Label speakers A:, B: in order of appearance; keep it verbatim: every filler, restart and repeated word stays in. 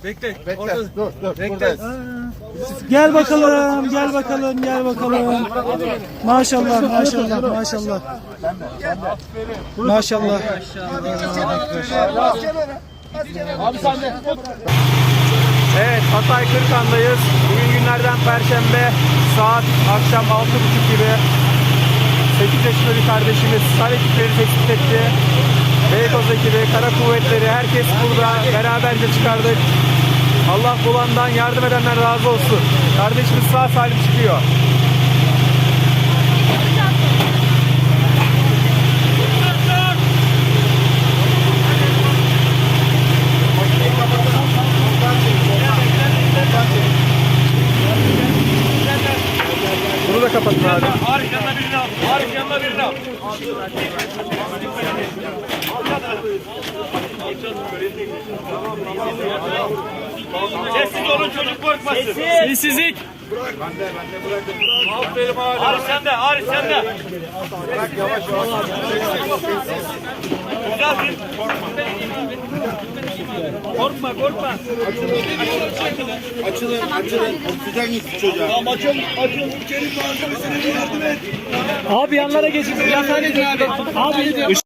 A: Bekle.
B: Bekle.
A: Orada.
B: Dur dur.
A: Bekle.
B: Buradayız.
C: Gel bakalım, gel bakalım, gel bakalım. Maşallah, maşallah, maşallah. Maşallah.
B: Abi sen de.
D: Evet, Hatay Kırıkan'dayız. Bugün günlerden Perşembe, saat akşam altı buçuk gibi. sekiz yaşında bir kardeşimiz sar ekipleri tespit etti. Beykoz ekibi, Kara Kuvvetleri, herkes burada beraberce çıkardık. Allah bulandan, yardım edenler razı olsun. Kardeşimiz sağ salim çıkıyor. Bunu da kapatın abi.
A: Arif yanına birini al. Arif yanına birini al. Sessiz olun, çocuk korkmasın. Sessizlik. Aferin abi. Arif sende, Arif sende. Bırak yavaş yavaş. Güzel. Korkma, korkma.
B: Açılın açılın. Oksijen gitti çocuğa. Tamam açılın. Açılın. Kerim malzemesine yardım et.
C: Abi yanlara geçin. Yanlara geçin abi. Abi